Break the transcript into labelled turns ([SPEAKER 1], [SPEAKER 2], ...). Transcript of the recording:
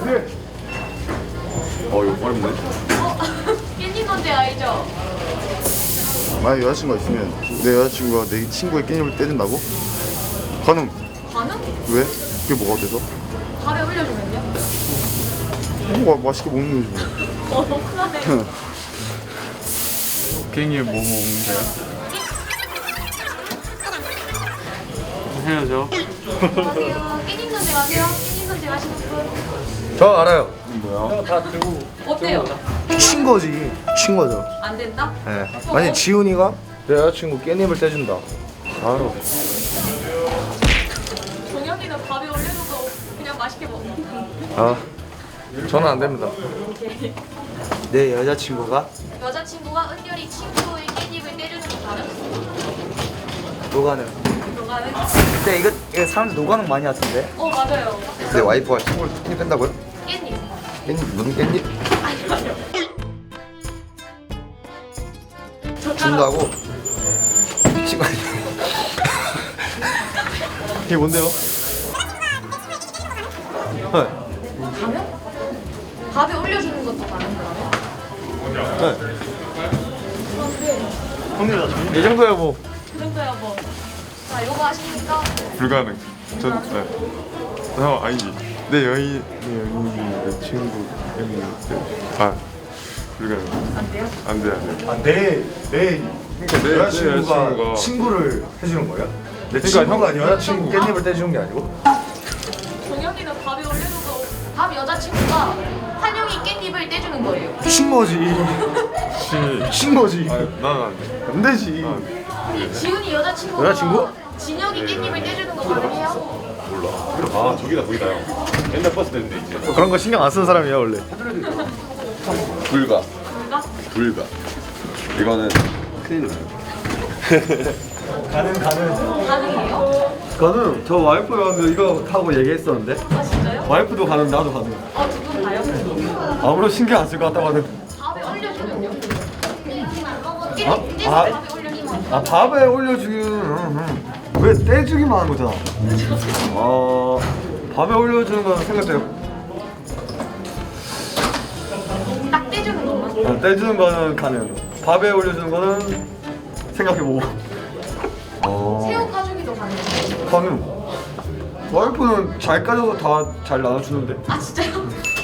[SPEAKER 1] 이거 어렵네.
[SPEAKER 2] 깻잎 논제 알죠?
[SPEAKER 3] 만약 여자친구가 있으면 내 여자친구가 내 친구의 깻잎을 떼준다고? 가능.
[SPEAKER 2] 가능?
[SPEAKER 3] 왜? 그게 뭐가 돼서?
[SPEAKER 2] 밥에 올려주면요?
[SPEAKER 3] 맛있게 먹는 거지 뭐.
[SPEAKER 2] 큰일나네.
[SPEAKER 1] 갱이 뭐 먹는데요? 헤어져.
[SPEAKER 2] 안녕하세요. 깻잎 논제 아세요? 깻잎 논제 아시는 분?
[SPEAKER 3] 저 알아요.
[SPEAKER 1] 뭐야?
[SPEAKER 2] 어때요?
[SPEAKER 3] 친거지. 친거죠.
[SPEAKER 2] 안 된다?
[SPEAKER 3] 예. 만약 지훈이가 내 여자친구 깻잎을 떼준다. 바로.
[SPEAKER 2] 종현이는 밥에 올려놓고 그냥 맛있게 먹는
[SPEAKER 3] 아, 저는 안 됩니다. 내 여자친구가
[SPEAKER 2] 여자친구가 은결이 친구의 깻잎을 떼주는 거 가능?
[SPEAKER 3] 노가는.
[SPEAKER 2] 그거는?
[SPEAKER 3] 근데 이거 사람들 노가는 많이 하던데.
[SPEAKER 2] 맞아요.
[SPEAKER 3] 내 와이프가 친구를 깻잎 뺀다고요?
[SPEAKER 2] 깻잎.
[SPEAKER 3] 깻잎 무슨 깻잎?
[SPEAKER 2] 아니요.
[SPEAKER 3] 준다고? 친구 이게 뭔데요? 네.
[SPEAKER 2] 가면? 밥에 올려주는 것도 가능 그러면?
[SPEAKER 3] 이 정도야 뭐.
[SPEAKER 2] 그 정도야 뭐. 자, 이거 아십니까?
[SPEAKER 1] 불가능. 아니지. 내 여인이 내 친구 갱이 불가능.
[SPEAKER 2] 안 돼요?
[SPEAKER 1] 안 돼.
[SPEAKER 3] 아, 내
[SPEAKER 1] 그러니까 내 여자친구가
[SPEAKER 3] 친구를 해주는 거예요? 내
[SPEAKER 1] 그러니까
[SPEAKER 3] 친구가
[SPEAKER 1] 형-
[SPEAKER 3] 여자친구 깻잎을 떼주는 게 아니고?
[SPEAKER 2] 종현이는 밥에 올려놓고 밥 여자친구가 환영이 깻잎을 떼주는 거예요.
[SPEAKER 3] 친거지. 친거지.
[SPEAKER 1] 난안 돼.
[SPEAKER 3] 안 되지.
[SPEAKER 2] 지훈이 여자친구가
[SPEAKER 3] 여자친구?
[SPEAKER 2] 진혁이 깻잎을 떼주는 거 가능해요?
[SPEAKER 1] 몰라. 저기다 거기다 형. 옛날 버스 되는데 이제.
[SPEAKER 3] 그런 거 신경 안 쓰는 사람이야 원래.
[SPEAKER 1] 불가.
[SPEAKER 2] 뭔가?
[SPEAKER 1] 불가. 이거는 큰일 나요.
[SPEAKER 2] 가능해요?
[SPEAKER 4] 가능. 저 와이프랑 이거 하고 얘기했었는데
[SPEAKER 2] 아 진짜요?
[SPEAKER 4] 와이프도 가능, 나도 가능.
[SPEAKER 2] 두 분 다요?
[SPEAKER 4] 아무런 신경 안 쓸 것 같다고 하는.
[SPEAKER 2] 밥에 올려주면요? 깻잎
[SPEAKER 4] 아?
[SPEAKER 2] 떼서
[SPEAKER 4] 아?
[SPEAKER 2] 밥에 올려주면
[SPEAKER 4] 아, 밥에 왜 떼주기만 하는 거잖아. 밥에 올려주는 건 생각해요.
[SPEAKER 2] 딱 떼주는 것만?
[SPEAKER 4] 떼주는 거는 가능. 밥에 올려주는 거는 생각해보고.
[SPEAKER 2] 새우 까주기도 가능해요?
[SPEAKER 4] 가능. 와이프는 잘 까져서 다 잘 나눠주는데.
[SPEAKER 2] 아 진짜요?